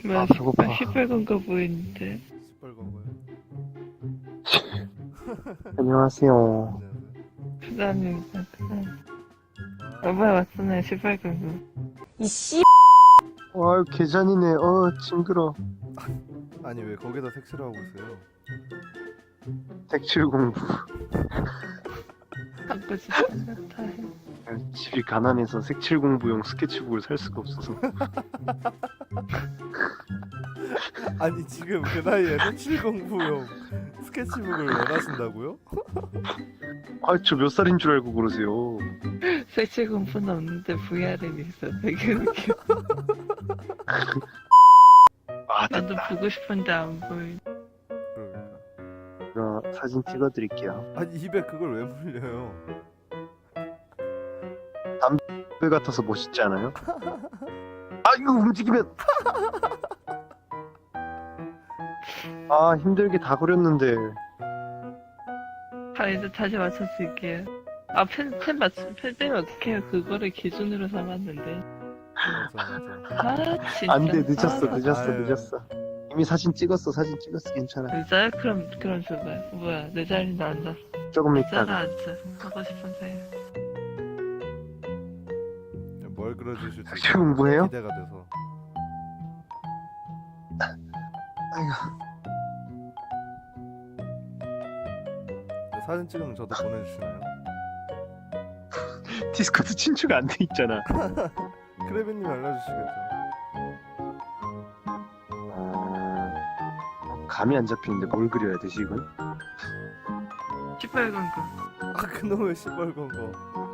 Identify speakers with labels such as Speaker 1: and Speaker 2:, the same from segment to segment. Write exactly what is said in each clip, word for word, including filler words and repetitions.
Speaker 1: 뭐야,
Speaker 2: 아, 배고파.
Speaker 1: 시뻘, 시뻘건 거 보이는데.
Speaker 3: 시뻘건 거요.
Speaker 2: 안녕하세요.
Speaker 3: 안녕하세요.
Speaker 1: 부장님, 부장님.
Speaker 3: 아,
Speaker 1: 이번에 왔잖아요, 시뻘건 거.
Speaker 4: 이씨
Speaker 2: 아유, 계산이네. 어, 징그러.
Speaker 3: 아니 왜 거기다 색칠을 하고 있어요?
Speaker 2: 색칠 공부.
Speaker 1: 갖고 싶은 거 다 해.
Speaker 2: 집이 가난해서 색칠 공부용 스케치북을 살 수가 없어서.
Speaker 3: 아니 지금 그 나이에 색칠 공부용 스케치북을 원하신다고요?
Speaker 2: 아, 저 몇 살인 줄 알고 그러세요.
Speaker 1: 색칠 공부는 없는데 브이알은 있어. 되게 웃겨.
Speaker 2: 아,
Speaker 1: 나도
Speaker 2: 됐다.
Speaker 1: 보고 싶은데 안 보이.
Speaker 3: 그러니까.
Speaker 2: 제가 사진 찍어드릴게요.
Speaker 3: 아니 입에 그걸 왜 물려요?
Speaker 2: 그 같아서 멋있지 않아요? 아, 이거 움직이면. 아, 힘들게 다 그렸는데.
Speaker 1: 아, 이제 다시 맞춰줄게요. 아, 펜, 펜 맞추, 펜 빼면 어떡해요. 그거를 기준으로 삼았는데.
Speaker 3: 맞아 맞아.
Speaker 1: 아, 진짜.
Speaker 2: 안 돼, 늦었어,
Speaker 1: 아,
Speaker 2: 늦었어,
Speaker 3: 아유.
Speaker 2: 늦었어. 이미 사진 찍었어, 사진 찍었어, 괜찮아.
Speaker 1: 진짜요? 그럼, 그럼 줘봐요. 뭐야, 내 자리에 앉았어.
Speaker 2: 조금
Speaker 1: 짜라
Speaker 2: 있다가.
Speaker 1: 앉아. 하고 싶은 사이.
Speaker 3: 뭘 그려주실지
Speaker 2: 색칠 공부해요?
Speaker 3: 기대가 돼서.
Speaker 2: 아이고.
Speaker 3: 사진 찍으면 저도 보내주시나요?
Speaker 2: 디스코드 친추가 안 돼 있잖아.
Speaker 3: 크레비님 알려주시겠죠?
Speaker 2: 아, 감이 안 잡히는데 뭘 그려야 되지 이건?
Speaker 1: 시뻘건 거.
Speaker 3: 아 그놈의 시뻘건 거.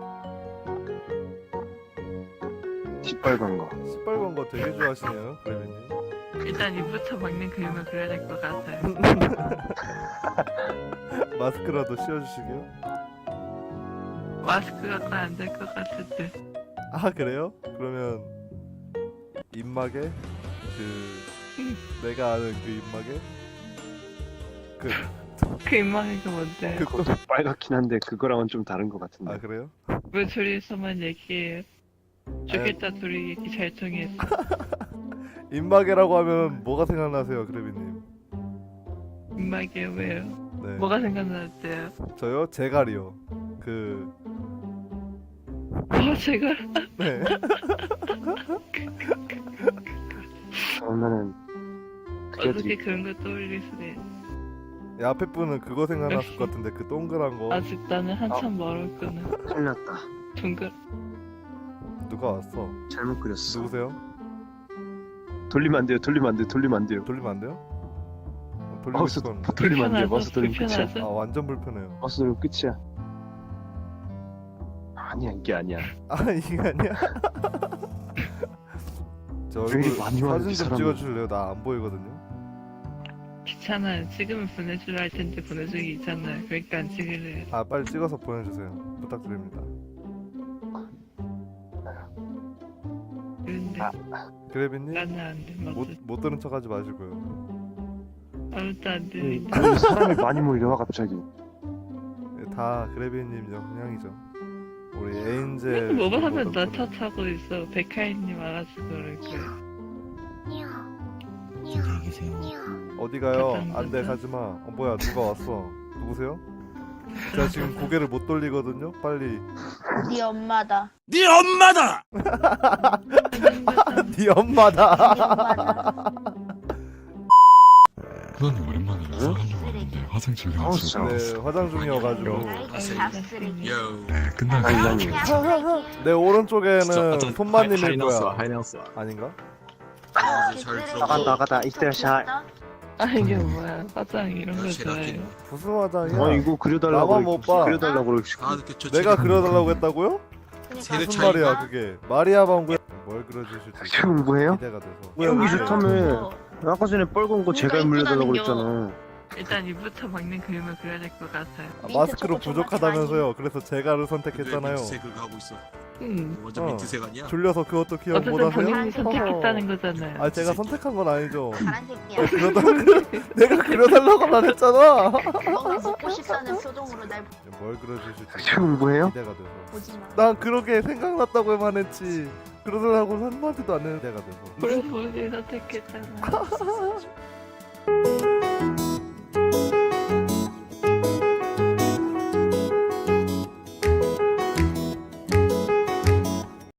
Speaker 2: 시뻘건 거.
Speaker 3: 시뻘건 거 되게 좋아하시네요, 크레비님.
Speaker 1: 일단 입부터 막는 그림을 그려야 될 것 같아요.
Speaker 3: 마스크라도 씌워주시게요?
Speaker 1: 마스크가 안 될 것 같은데.
Speaker 3: 아 그래요? 그러면 입막에 그 내가 아는 그 입막에 그
Speaker 1: 그 입망이가 뭔데?
Speaker 3: 그
Speaker 2: 그것도 빨갛긴 한데 그거랑은 좀 다른 것 같은데.
Speaker 3: 아 그래요?
Speaker 1: 왜 둘이서만 얘기해요? 좋겠다, 둘이 얘기 잘 통해서.
Speaker 3: 입마개라고 하면 뭐가 생각나세요, 그래비님?
Speaker 1: 입막이에 왜요?
Speaker 3: 네.
Speaker 1: 뭐가 생각나는데요?
Speaker 3: 저요? 제갈이요. 그
Speaker 1: 어, 제가
Speaker 3: 네.
Speaker 2: 그러면은
Speaker 1: 어떻게
Speaker 2: 그려드릴.
Speaker 1: 그런 거 떠올리시네.
Speaker 3: 이 앞에 분은 그거 생각났을 것 같은데 그 동그란 거
Speaker 1: 아직 나는 한참 멀었구나.
Speaker 2: 큰일 났다.
Speaker 1: 둥글.
Speaker 3: 누가 왔어?
Speaker 2: 잘못 그렸어.
Speaker 3: 누구세요?
Speaker 2: 돌리면 안 돼요. 돌리면 안 돼. 돌리면 안 돼요.
Speaker 3: 돌리면 안 돼요? 어, 돌리고
Speaker 2: 마우스
Speaker 3: 싶은.
Speaker 2: 돌리면 안 돼요.
Speaker 1: 불편하죠?
Speaker 2: 마우스 돌리면 끝이야.
Speaker 1: 불편하죠?
Speaker 3: 아 완전 불편해요.
Speaker 2: 마우스 돌리면 끝이야. 아니야, 이게 아니야.
Speaker 3: 아 이게 아니야? 저
Speaker 2: 왜
Speaker 3: 얼굴
Speaker 2: 이리 많이 와요,
Speaker 3: 사진
Speaker 2: 이
Speaker 3: 좀
Speaker 2: 사람은.
Speaker 3: 찍어줄래요? 나 안 보이거든요.
Speaker 1: 귀찮아요. 찍으면 보내주려 할 텐데 보내주기 있잖아요. 그러니까 안 찍을래요.
Speaker 3: 아 빨리 찍어서 보내주세요. 부탁드립니다.
Speaker 1: 그런데
Speaker 3: 그래비님
Speaker 1: 나는 안 돼. 막
Speaker 3: 못, 못 들은 척하지 마시고요.
Speaker 1: 아무것도 안
Speaker 2: 음,
Speaker 1: 들리는데.
Speaker 2: 그 사람이 많이 몰려와 갑자기.
Speaker 3: 다 그래비님 영향이죠. 우리 에인젤
Speaker 1: 뭐만 하면
Speaker 3: 정도
Speaker 1: 나
Speaker 3: 덕분에.
Speaker 1: 탓하고 있어. 백하이님 알아서 그럴 거야.
Speaker 5: 안녕히 계세요.
Speaker 3: 어디 가요?
Speaker 1: 가자,
Speaker 3: 안돼
Speaker 1: 가자.
Speaker 3: 가지마. 어 뭐야 누가 왔어? 누구세요? 제가 지금 고개를 못 돌리거든요. 빨리.
Speaker 4: 네 엄마다.
Speaker 5: 네 엄마다!
Speaker 3: 네 엄마다.
Speaker 5: 그건 오랜만이라
Speaker 2: 응?
Speaker 5: 사가려고 하는데 화장 중에
Speaker 2: 아우,
Speaker 5: 왔어요.
Speaker 3: 네 화장 중이어가지고.
Speaker 5: 네, 끝나고
Speaker 2: 아니,
Speaker 3: 내 오른쪽에는 손마님일
Speaker 6: 还能死，
Speaker 3: 거야.
Speaker 6: 还能死。
Speaker 3: 아닌가?
Speaker 2: 나가 나가다 이스테샤.
Speaker 1: 아 이게 뭐야? 화장 이런 거 좋아해요.
Speaker 3: 무슨 화장이야?
Speaker 2: 어, 이거 그려달라고.
Speaker 3: 나만 못 봐.
Speaker 2: 그려달라고 그러시고.
Speaker 3: 내가 그려달라고 했다고요?
Speaker 6: 세대
Speaker 3: 무슨
Speaker 6: 차이가?
Speaker 3: 말이야 그게? 마리아 방구야. 뭘 그려주실지
Speaker 2: 색칠 공부해요?
Speaker 3: 기대가 돼서.
Speaker 2: 여기
Speaker 3: 네.
Speaker 2: 좋다며. 아까 전에 빨간 거 제가 물려달라고 그랬잖아.
Speaker 1: 일단 입부터 막는 그림을 그려야 될 것 같아요.
Speaker 3: 아,
Speaker 4: 민트
Speaker 3: 마스크로
Speaker 4: 초코
Speaker 3: 부족하다면서요. 그래서 제가를
Speaker 5: 근데
Speaker 3: 선택했잖아요.
Speaker 5: 민트색을 하고 있어.
Speaker 1: 음.
Speaker 5: 완전
Speaker 3: 어.
Speaker 5: 민트색 아니야?
Speaker 3: 졸려서 그것도 기억
Speaker 1: 어쨌든
Speaker 3: 못하세요?
Speaker 1: 본인이 선택했다는 거잖아요.
Speaker 3: 아 제가 선택한 건 아니죠.
Speaker 4: 파란색이야.
Speaker 3: 그려달 내가 그려달라고만 했잖아.
Speaker 4: 너무 먹고 싶다는 표정으로 날
Speaker 3: 뭘 그려주실지
Speaker 2: 지금 뭐예요?
Speaker 3: 기대가 돼서.
Speaker 4: 보지 마.
Speaker 3: 난 그러게 생각났다고만 했지. 그러더라고 한마디도 안 했는 데가 돼서.
Speaker 1: 그래서 본인이 선택했잖아.